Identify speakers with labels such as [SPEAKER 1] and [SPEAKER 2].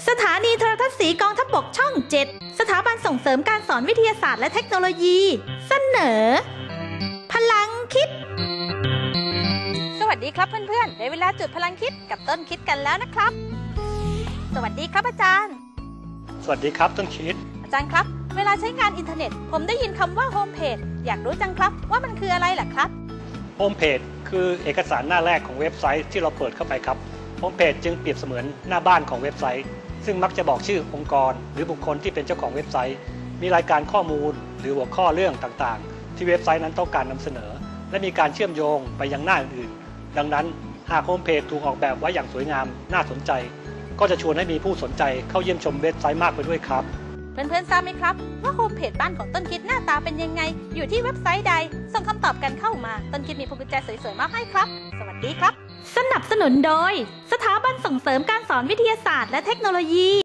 [SPEAKER 1] สถานีโทรทัศน์สีกองทัพบกช่อง 7 สถาบันส่งเสริมการสอนวิทยาศาสตร์และเทคโนโลยีเสนอพลังคิดสวัสดีครับเพื่อนๆได้เวลาจุดพลังคิดกับต้นคิดกันแล้วนะครับสวัสดีครับอาจารย์
[SPEAKER 2] สวัสดีครับต้นคิด
[SPEAKER 1] อาจารย์ครับเวลาใช้งานอินเทอร์เน็ตผมได้ยินคำว่าโฮมเพจอยากรู้จังครับว่ามันคืออะไรล่ะครับ
[SPEAKER 2] โฮมเพจคือเอกสารหน้าแรกของเว็บไซต์ที่เราเปิดเข้าไปครับโฮมเพจจึงเปรียบเสมือนหน้าบ้านของเว็บไซต์ซึ่งมักจะบอกชื่อองค์กรหรือบุคคลที่เป็นเจ้าของเว็บไซต์มีรายการข้อมูลหรือหัวข้อเรื่องต่างๆที่เว็บไซต์นั้นต้องการนำเสนอและมีการเชื่อมโยงไปยังหน้าอื่นๆดังนั้นหากโฮมเพจถูกออกแบบไว้อย่างสวยงามน่าสนใจก็จะชวนให้มีผู้สนใจเข้าเยี่ยมชมเว็บไซต์มากไปด้วยครับ
[SPEAKER 1] เพื่อนๆทราบไหมครับว่าโฮมเพจบ้านของต้นคิดหน้าตาเป็นยังไงอยู่ที่เว็บไซต์ใดส่งคำตอบกันเข้ามาต้นคิดมีพวงกุญแจสวยๆมาให้ครับสวัสดีครับสนับสนุนโดยสถาบันส่งเสริมการสอนวิทยาศาสตร์และเทคโนโลยี